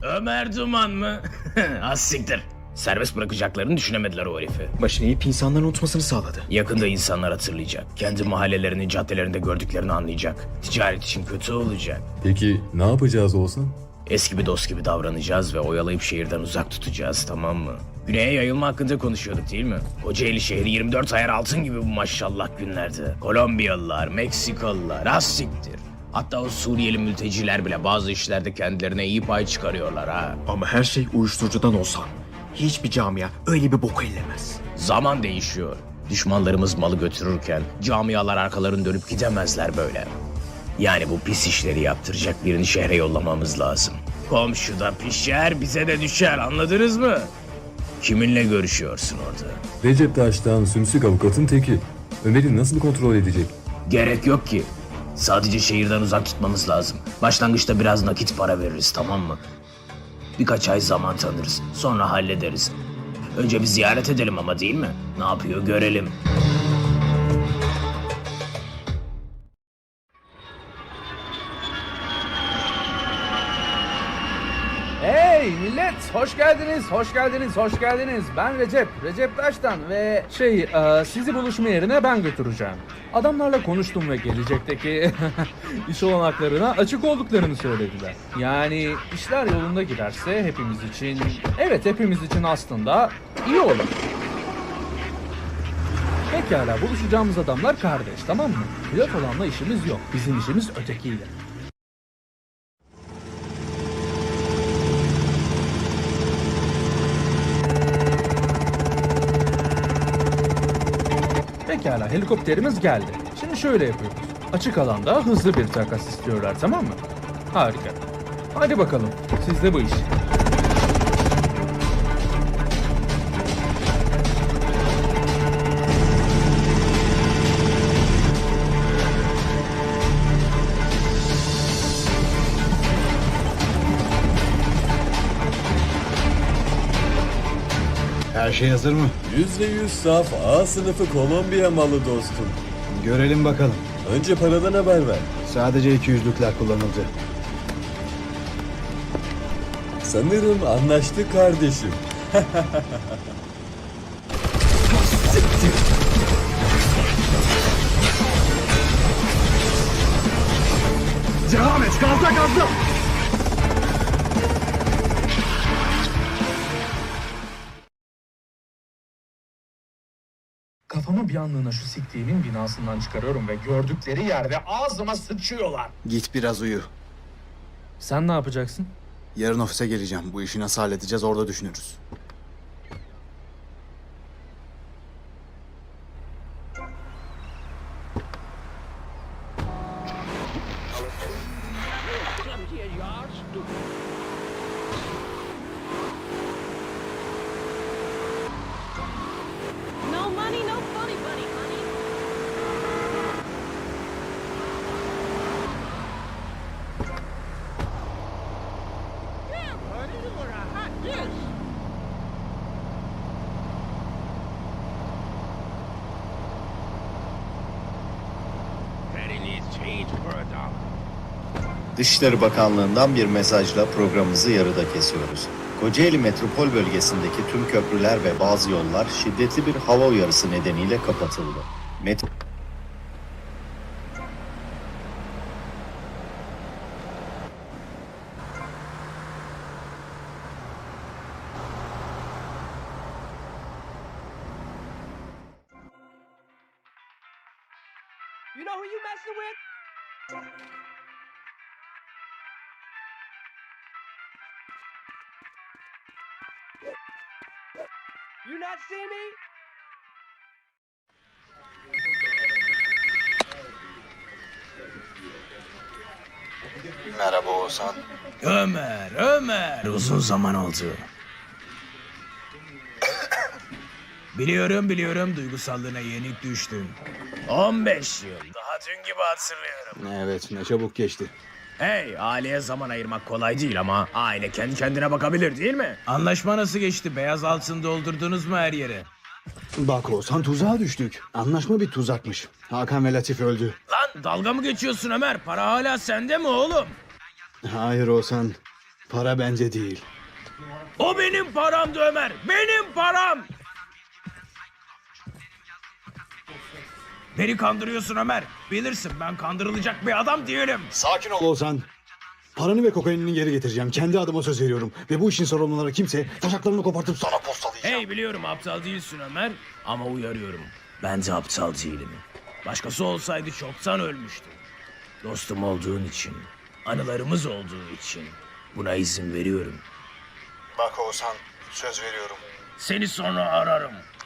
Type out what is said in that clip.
Ömer Duman mı? Az siktir. Serbest bırakacaklarını düşünemediler o herifi. Başını eğip insanların unutmasını sağladı. Yakında insanlar hatırlayacak. Kendi mahallelerinin caddelerinde gördüklerini anlayacak. Ticaret için kötü olacak. Peki ne yapacağız Oğuzhan? Eski bir dost gibi davranacağız ve oyalayıp şehirden uzak tutacağız, tamam mı? Güney'e yayılma hakkında konuşuyorduk değil mi? Kocaeli şehri 24 ayar altın gibi bu maşallah günlerde. Kolombiyalılar, Meksikalılar, az siktir. Hatta o Suriyeli mülteciler bile bazı işlerde kendilerine iyi pay çıkarıyorlar ha. Ama her şey uyuşturucudan olsa hiçbir camia öyle bir boku ellemez. Zaman değişiyor. Düşmanlarımız malı götürürken camialar arkalarını dönüp gidemezler böyle. Yani bu pis işleri yaptıracak birini şehre yollamamız lazım. Komşuda pişer, bize de düşer, anladınız mı? Kiminle görüşüyorsun orada? Recep Taş'tan sümsük avukatın teki. Ömer'i nasıl kontrol edecek? Gerek yok ki. Sadece şehirden uzak tutmamız lazım. Başlangıçta biraz nakit para veririz, tamam mı? Birkaç ay zaman tanırız. Sonra hallederiz. Önce bir ziyaret edelim ama, değil mi? Ne yapıyor görelim. Hey millet, hoş geldiniz, hoş geldiniz, hoş geldiniz. Ben Recep Taş'tan ve sizi buluşma yerine ben götüreceğim. Adamlarla konuştum ve gelecekteki iş olanaklarına açık olduklarını söylediler. Yani işler yolunda giderse hepimiz için aslında iyi olur. Pekala, buluşacağımız adamlar kardeş, tamam mı? Pilot olanla işimiz yok, bizim işimiz ötekiyle. Pekala, helikopterimiz geldi. Şimdi şöyle yapıyoruz. Açık alanda hızlı bir takas istiyorlar, tamam mı? Harika. Hadi bakalım, sizde bu iş. Her şey hazır mı? %100 saf A sınıfı Kolombiya malı dostum. Görelim bakalım. Önce paradan haber ver. Sadece 200'lükler kullanıldı. Sanırım anlaştık kardeşim. Devam et, gazla! Kafamı bir anlığına şu siktiğimin binasından çıkarıyorum ve gördükleri yerde ağzıma sıçıyorlar. Git biraz uyu. Sen ne yapacaksın? Yarın ofise geleceğim. Bu işi nasıl halledeceğiz orada düşünürüz. No money, no funny bunny, honey. Damn, honey, you were a hot dish. Daddy needs change for a dollar. Dışişleri Bakanlığı'ndan bir mesajla programımızı yarıda kesiyoruz. Kocaeli metropol bölgesindeki tüm köprüler ve bazı yollar şiddetli bir hava uyarısı nedeniyle kapatıldı. You know who you messing with? You not see me? Merhaba Oğuzhan. Ömer, uzun zaman oldu. Biliyorum, duygusallığına yenik düştüm. 15 yıl, daha dün gibi hatırlıyorum. Evet, ne çabuk geçti. Hey, aileye zaman ayırmak kolay değil ama aile kendi kendine bakabilir, değil mi? Anlaşma nasıl geçti? Beyaz altın doldurdunuz mu her yere? Bak Oğuzhan, tuzağa düştük. Anlaşma bir tuzakmış. Hakan ve Latif öldü. Lan dalga mı geçiyorsun Ömer? Para hala sende mi oğlum? Hayır Oğuzhan. Para bence değil. O benim paramdı Ömer. Benim param. Beni kandırıyorsun Ömer. Bilirsin ben kandırılacak bir adam değilim. Sakin ol Oğuzhan. Paranı ve kokainini geri getireceğim. Kendi adıma söz veriyorum. Ve bu işin sorumluları kimse taşaklarını kopartıp sana postalayacağım. Hey biliyorum aptal değilsin Ömer. Ama uyarıyorum. Ben de aptal değilim. Başkası olsaydı çoktan ölmüştü. Dostum olduğun için, anılarımız olduğu için buna izin veriyorum. Bak Oğuzhan, söz veriyorum. Seni sonra ararım.